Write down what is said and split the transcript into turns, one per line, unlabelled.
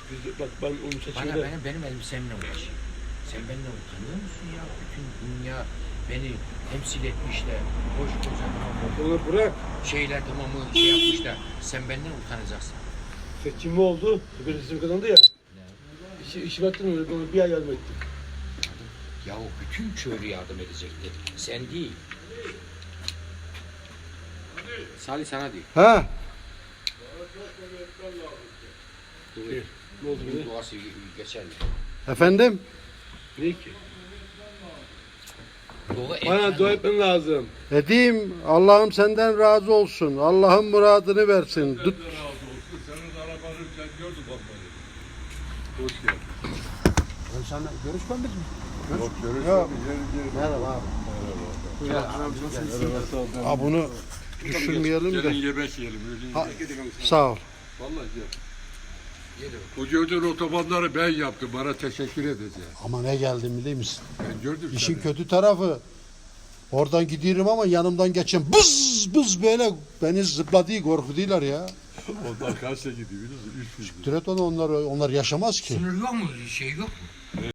Bak ben onu seçimde...
Benim elbisemle uğraşıyor. Sen benden utanıyor musun ya? Bütün dünya beni temsil etmişler. Koca tamam
Onu bırak.
şeyler tamamı şey yapmışlar. Sen benden utanacaksın.
Seçim oldu. Bir seçim kazandı ya. İşi baktın öyle bir ay yardım ettik.
Ya o bütün köylü yardım edecekti. Sen değil. Salih sana değil.
Ha?
Ne oldu
Bunun
bize?
duası geçerli.
Efendim?
Ne ki?
Dua
Dua etmen lazım.
Edeyim. Allah'ım senden razı olsun. Allah'ın muradını versin. Tut.
Senin arabanı sen gördün bak beni. Hoş geldin.
Sen görüşmedik mi?
Yok görüşmedik.
Yok.
Gel.
Merhaba abi.
Merhaba.
Ha bunu düşürmeyelim
Gelin
de.
yemek yiyelim.
Ha, sağ ol.
Vallahi gel. O gördüğün otobanları ben yaptım. Bana teşekkür edeceğim.
Ama ne geldim biliyor musun?
Ben gördüm
İşin
seni.
kötü tarafı oradan gidiyorum ama yanımdan geçen bız bız böyle beni zıpladı korkutuyorlar ya.
Onlar kaçta gidiyor biliyor musun? 300 lira.
Türet onu onlar yaşamaz ki.
Sınır yok mu? Şey yok mu?